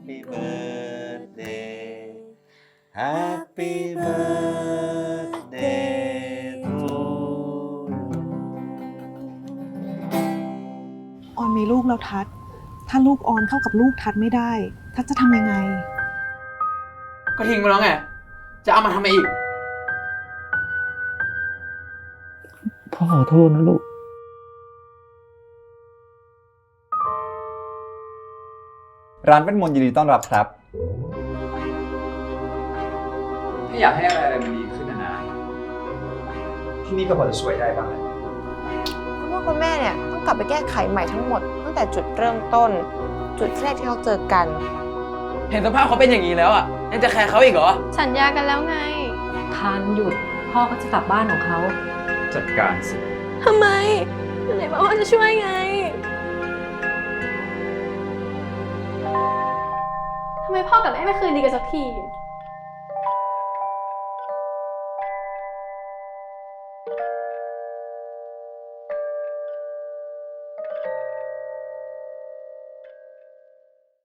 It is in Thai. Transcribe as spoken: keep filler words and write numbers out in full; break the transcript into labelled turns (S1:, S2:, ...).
S1: Happy birthday Happy birthday to you
S2: ออนมีลูกแล้วทัศน์ถ้าลูกออนเข้ากับลูกทัศน์ไม่ได้ทัศน์จะทำยังไง
S3: ก็ทิ้งไปแล้วไงจะเอามาทำไมอีก
S4: พ่อขอโทษนะลูก
S5: ร้านเวทมนต์ยินดีต้อนรับครับ
S3: ถ้าอยากให้อะไรอะไรมันดีขึ้นนะนะที่นี่ก็พอจะช่วยได้บ้างแหละ
S6: คุณพ่อคุณแม่เนี่ยต้องกลับไปแก้ไขใหม่ทั้งหมดตั้งแต่จุดเริ่มต้น จุดแรกที่เขาเจอกัน
S3: เห็นสภาพเขาเป็นอย่างนี้แล้วอ่ะยังจะแคร์เขาอีกเหรอ
S7: สัญญากันแล้วไง
S8: ทานหยุดพ่อก็จะกลับบ้านของเขา
S3: จัดการสิ
S7: ทำไมไหนบอกว่าจะช่วยไงทำไมพ่อกับแม่ไม่คืนดีกันสักที